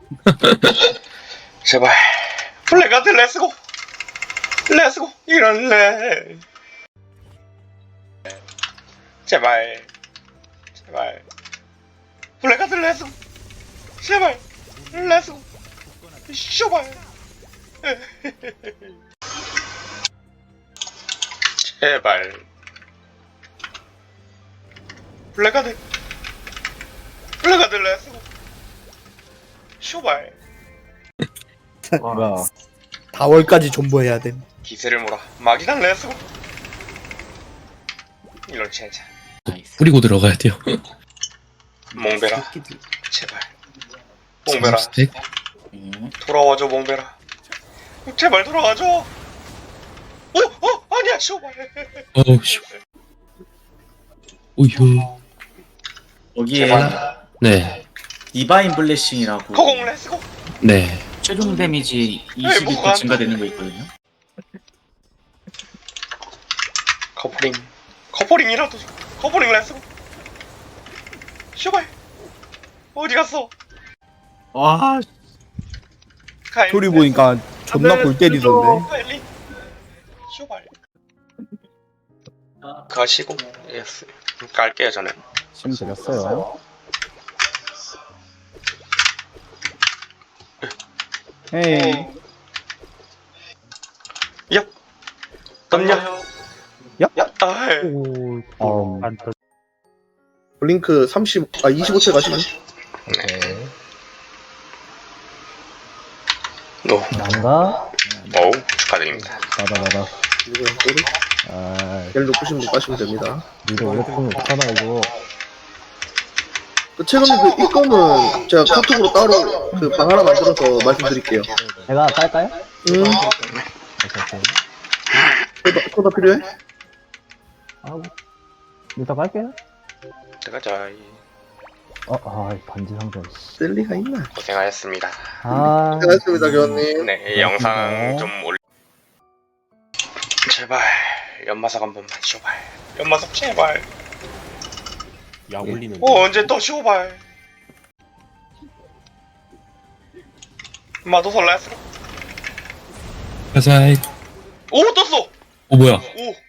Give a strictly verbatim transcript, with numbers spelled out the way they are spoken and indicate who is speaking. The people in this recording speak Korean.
Speaker 1: 제발 블랙아드 렛츠고 렛츠고 이럴래. 제발 제발 블랙아드 렛츠고 제발 렛츠고 쇼발 제발 블랙아드 블랙아드 렛츠고 쇼발
Speaker 2: 뭐야?
Speaker 3: 다월까지 존버해야 됨.
Speaker 1: 기세를 몰아 마기단 렛츠고 이런 젠장
Speaker 4: 뿌리고 들어가야 돼요.
Speaker 1: 몽베라 제발 몽베라
Speaker 4: 스택?
Speaker 1: 돌아와줘 몽베라 제발 돌아와줘. 어? 어? 아니야 쇼발
Speaker 4: 어우 씨. 오휴.
Speaker 2: 여기에
Speaker 1: 제발.
Speaker 4: 네.
Speaker 2: 디바인 블레싱이라고
Speaker 1: 허공 렛츠고
Speaker 4: 네.
Speaker 2: 최종 데미지 이십이 퍼센트
Speaker 1: 뭐가 안
Speaker 2: 증가되는 거 있거든요.
Speaker 1: 커플링 커플링이라도 줘. 커플링 렛츠고 쇼발 어디 갔어?
Speaker 2: 와,
Speaker 1: 카일
Speaker 3: 스토리 보니까 존나 골 때리던데.
Speaker 1: 카일리 쇼발 가시고 예스 깔게요 저는.
Speaker 5: 심 드렸어요. 에이,
Speaker 1: 얍 덤냐
Speaker 5: 얍.
Speaker 1: 아이
Speaker 5: 오,
Speaker 6: 어,
Speaker 5: 안 터.
Speaker 6: 블링크 삼십, 아 이십오 초 가시면
Speaker 5: 오케이.
Speaker 1: 노
Speaker 5: 난가?
Speaker 1: 어우 축하드립니다.
Speaker 5: 나다 나다.
Speaker 6: 누구야 또리?
Speaker 5: 아,
Speaker 6: 벨 높으신 분 가시면 됩니다.
Speaker 5: 이거 오래프면 못하나 이거.
Speaker 6: 그 최근에 그 입금은 제가 카톡으로 따로 그 방 하나 만들어서 말씀드릴게요.
Speaker 5: 제가 깔까요?
Speaker 6: 음,
Speaker 5: 오케이 오케이.
Speaker 6: 코다, 코다 필요해?
Speaker 5: 아, 일단 깔게요.
Speaker 1: 들어가자.
Speaker 5: 어, 아, 반지 상자. 씨.
Speaker 6: 셀 리가 있나?
Speaker 1: 고생하셨습니다.
Speaker 5: 아,
Speaker 6: 고생하셨습니다 교환님.
Speaker 1: 네, 이 영상 좀 올. 제발 연마석 한 번만 쇼발. 연마석 제발.
Speaker 7: 약 올리는
Speaker 1: 어 언제 또 쇼발. 마도설 렛츠고.
Speaker 4: 가사이.
Speaker 1: 오 떴어.
Speaker 4: 어 뭐야?
Speaker 1: 오